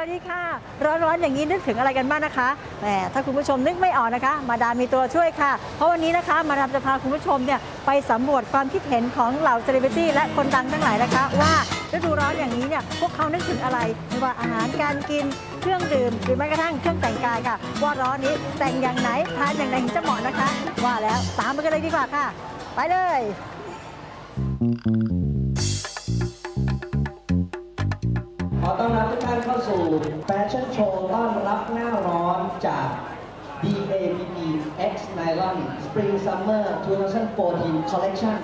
วัสดีค่ะร้อนๆอย่างนี้นึกถึงอะไรกันบ้างนะคะแหมถ้าคุณผู้ชมนึกไม่ออกนะคะมาดามมีตัวช่วยค่ะเพราะวันนี้นะคะมาดามจะพาคุณผู้ชมเนี่ยไปสำรวจความคิดเห็นของเหล่าเซเลบริตี้และคนดังทั้งหลายนะคะว่าฤดูร้อนอย่างนี้เนี่ยพวกเขานึกถึงอะไรไม่ว่าอาหารการกินเครื่องดื่มหรือแม้กระทั่งเครื่องแต่งกายค่ะว่าร้อนนี้แต่งอย่างไหนทานอย่างไหนถึงจะเหมาะนะคะว่าแล้วตามไปกันเลยดีกว่าค่ะไปเลยขอต้อนรับทุกท่านเข้าสู่แฟชั่นโชว์ต้อนรับหน้าร้อนจาก DAPP X Nylon Spring Summer 2014 Collection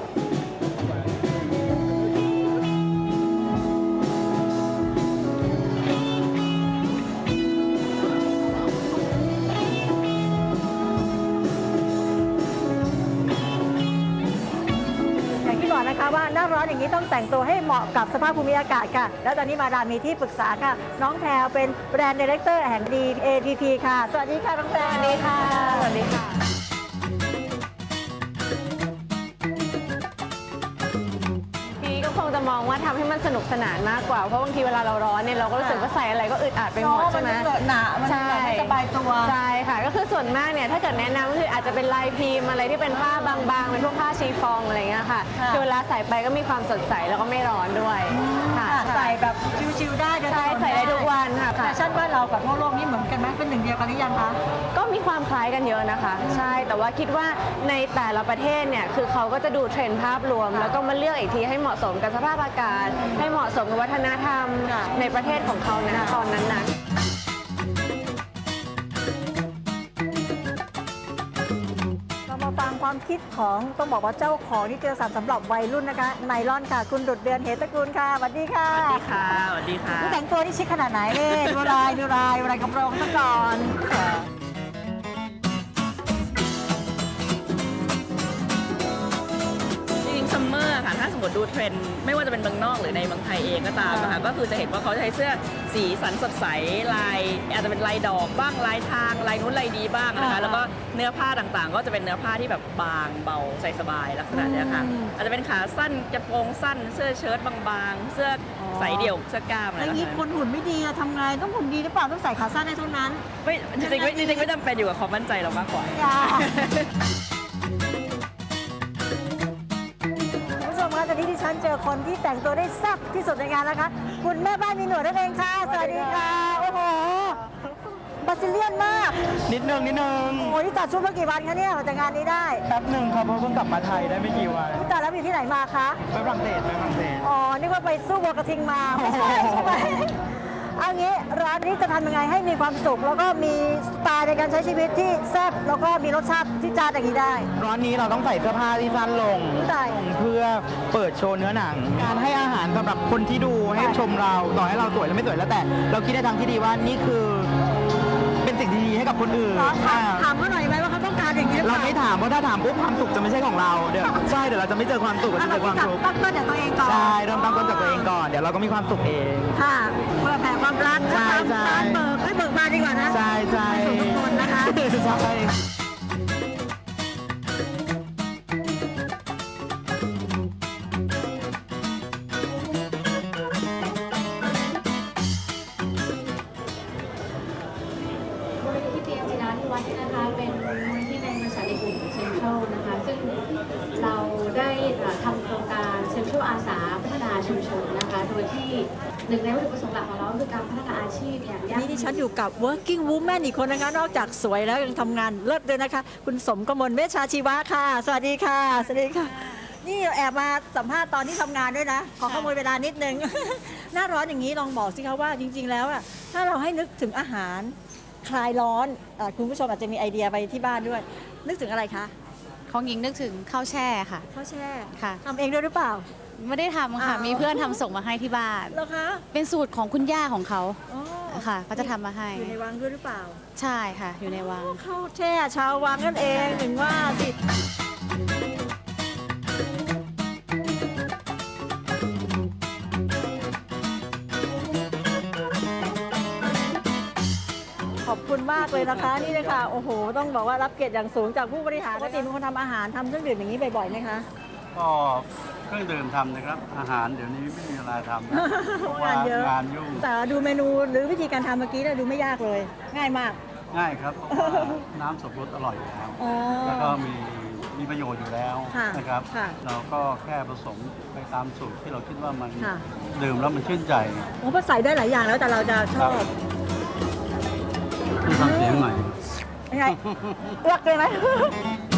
นะคะว่าหน้าร้อนอย่างนี้ต้องแต่งตัวให้เหมาะกับสภาพภูมิอากาศค่ะแล้วตอนนี้มาดามมีที่ปรึกษาค่ะน้องแพรวเป็นแบรนด์ดีเรคเตอร์แห่ง DAPP ค่ะสวัสดีค่ะน้องแพรวสวัสดีค่ะสวัสดีค่ะพี่ก็คงจะมองว่าทำให้มันสนุกสนานมากกว่าเพราะบางทีเวลาเราร้อนเนี่ยเราก็รู้สึกว่าใส่อะไรก็อึดอัดไปหมดใช่ไหมหนามันไม่สบายตัวใช่ค่ะก็คือส่วนมากเนี่ยถ้าเกิดแนะนำก็คืออาจจะเป็นลายพิมพ์อะไรที่เป็นผ้าบางๆเป็นพวกผ้าชีฟองอะไรเงี้ยค่ะคือเวลาใส่ไปก็มีความสดใสแล้วก็ไม่ร้อนด้วยค่ะใส่แบบชิวๆได้ใช่ใส่ได้ทุกวันค่ะแฟชั่นบ้านเรากับทั่วโลกนี่เหมือนกันไหมเป็นหนึ่งเดียวกันหรือยังคะก็มีความคล้ายกันเยอะนะคะใช่แต่ว่าคิดว่าในแต่ละประเทศเนี่ยคือเขาก็จะดูเทรนด์ภาพรวมแล้วก็มาเลือกอีกทีให้เหมาะสมกับสภาพอากาศให้เหมาะสมกับวัฒนธรรมในประเทศของเขานะตอนนั้นนะเรามาฟังความคิดของต้องบอกว่าเจ้าของนิตยสารสำหรับวัยรุ่นนะคะไนลอนค่ะคุณดุจเดือนเหตุตระกูลค่ะสวัสดีค่ะสวัสดีค่ะสวัสดีค่ะแต่งตัวนี่ชิคขนาดไหนเนี่ยดูลายกระโปรงซะก่อนซัมเมอร์ค่ะถ้าสมมติดูเทรนด์ไม่ว่าจะเป็นเมืองนอกหรือในเมืองไทยเองก็ตามนะคะก็คือจะเห็นว่าเขาใช้เสื้อสีสันสดใสลายอาจจะเป็นลายดอกบ้างลายทางลายนู้นลายดีบ้างนะคะแล้วก็เนื้อผ้าต่างๆ ก็จะเป็นเนื้อผ้าที่แบบบางเบาใส่สบายลักษณะนี้ค่ะอาจจะเป็นขาสั้นกระโปรงสั้นเสื้อเชิ้ตบางๆเสื้อใส่เดี่ยวเสื้อกล้ามอะไรอย่างนี้คนหุ่นไม่ดีทำไงต้องหุ่นดีหรือเปล่าต้องใส่ขาสั้นได้เท่านั้นไม่จริงๆไม่จำเป็นอยู่กับความมั่นใจเรามากกว่าตอนนี้ที่ฉันเจอคนที่แต่งตัวได้แซ่บที่สุดในงานแล้วคะคุณแม่บ้านมีหนวดนั่นเองค่ะสวัสดีค่ะโอ้โหบาซิเลียนมากนิดนึงโอ้ยที่จัดชุดมากี่วันคะเนี่ยมาจากงานนี้ได้แป๊บหนึ่งครับเพราะเพิ่งกลับมาไทยได้ไม่กี่วันที่จัดแล้วอยู่ที่ไหนมาคะไปฝรั่งเศสอ๋อนี่ว่าไปสู้วัวกระทิงมาไม่ใช่ใช่ไหมเอางี้ร้านนี้จะทำยังไงให้มีความสุขแล้วก็มีสไตล์ในการใช้ชีวิตที่แซ่บแล้วก็มีรสชาติที่จานอย่างนี้ได้ร้านนี้เราต้องใส่เสื้อผ้าที่สั้นลงเพื่อเปิดโชว์เนื้อหนังการให้อาหารสำหรับคนที่ดูให้ชมเราต่อให้เราสวยหรือไม่สวยแล้วแต่เราคิดในทางที่ดีว่านี่คือเป็นสิ่งดีๆให้กับคนอื่นถามเขาหน่อยไหมว่าเขาต้องการอย่างนี้เราไม่ถามเพราะถ้าถามปุ๊บความสุขจะไม่ใช่ของเราเดี๋ยวใช่เดี๋ยวเราจะไม่เจอความสุขเราจะเจอความทุกข์ตั้งต้นจากตัวเองก่อนใช่เริ่มตั้งต้นจากตัวเองก่อนเดี๋ยวเราก็มีความสุขเองค่ะเพื่อแผ่ความรักใช่ให้เบิกมาดีกว่านะใช่ทุกคนนะคะใช่นะคะเป็นมูลนิธิในบริษัทในกลุ่มเซ็นทรัลนะคะซึ่งเราได้ทำโครงการเซ็นทรัลอาสาพัฒนาชุมชนนะคะโดยที่หนึ่งในวัตถุประสงค์หลักของเราคือการพัฒนาอาชีพอย่างยั่งยืนนี่ที่ฉันอยู่กับ working woman อีกคนนะคะนอกจากสวยแล้วยังทำงานเลิศด้วยนะคะคุณสมกมลเวชชาชีวะค่ะสวัสดีค่ะสวัสดีค่ะนี่แอบมาสัมภาษณ์ตอนที่ทำงานด้วยนะขอขโมยเวลานิดนึง หน้าร้อนอย่างนี้ลองบอกสิคะว่าจริงๆแล้วถ้าเราให้นึกถึงอาหารคลายร้อนคุณผู้ชมอาจจะมีไอเดียไปที่บ้านด้วยนึกถึงอะไรคะของหญิงนึกถึงข้าวแช่ค่ะข้าวแช่ค่ะทำเองด้วยหรือเปล่าไม่ได้ทำค่ะมีเพื่อนทำส่งมาให้ที่บ้านเหรอคะเป็นสูตรของคุณย่าของเขาค่ะเขาจะทำมาให้อยู่ในวังด้วยหรือเปล่าใช่ค่ะอยู่ในวังข้าวแช่ชาววังนั่นเองถึงว่าสิขอบคุณมากเลยนะคะนี่เลยค่ะโอ้โหต้องบอกว่ารับเกียรติอย่างสูงจากผู้บริหารปกติเป็นคนทำอาหารทำเครื่องดื่มอย่างนี้บ่อยๆไหมคะก็รื่องดื่มทำนะครับ อาหารเดี๋ยวนี้ไม่มีเวลาทำนะเพราะว่งานเยอะงานยุ่งแต่ดูเมนูหรือวิธีการทำเมื่อกี้เนี่ยดูไม่ยากเลย ง่ายมากง่ายครับเพราะว่าน้ำสับปะรดอร่อยอยู่แล้วอ๋อแล้วก็มีประโยชน์อยู่แล้วค่ะนะครับค่ะเราก็แค่ผสมไปตามสูตรที่เราคิดว่ามันค่ะดื่มแล้วมันชื่นใจโอ้เพราะใส่ได้หลายอย่างแล้วแต่เราจะชอบมีฟังเสียงหน่อยยังไงเลือกเลยไหม